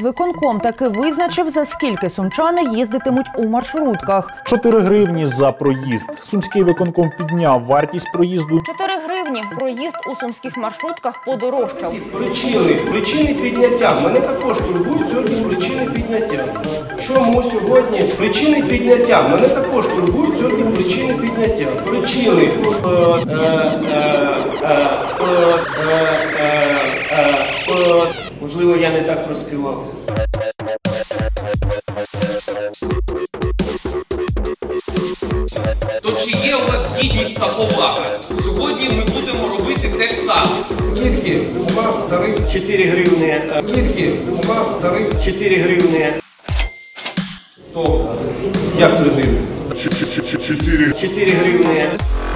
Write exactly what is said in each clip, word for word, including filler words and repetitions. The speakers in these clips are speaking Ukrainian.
Виконком таки визначив, за скільки сумчани їздитимуть у маршрутках. чотири гривні за проїзд. Сумський виконком підняв вартість проїзду. чотири гривні. Проїзд у сумських маршрутках подорожчав. Причини, причини підняття. Мене також турбують сьогодні причини підняття. Чому сьогодні причини підняття? Мене також турбують сьогодні причини підняття. Причини. Можливо, я не так проспівав. То чи є у вас гідність та повага? Сьогодні ми будемо робити те ж саме. Скільки у вас тариф? чотири гривні. Скільки у вас тариф? чотири гривні. Стоп. Як три гривні? чотири гривні.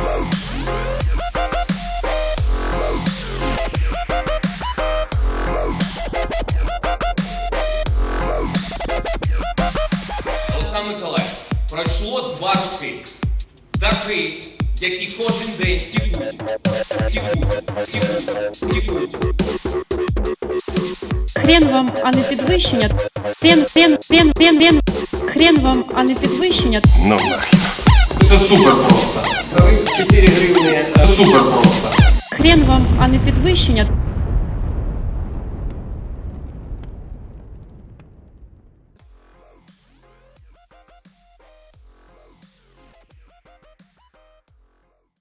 Олександр Миколаївич, пройшло два роки. Дахи, які кожен день тікуть, тікуть, тікуть, тікуть. Хрен вам, а не підвищення. Хрен, хрен, хрен, хрен, хрен. Хрен вам, а не підвищення. Ну нахер. Це супер просто. Тариф чотири гривні. Це супер просто. Хрен вам, а не підвищення.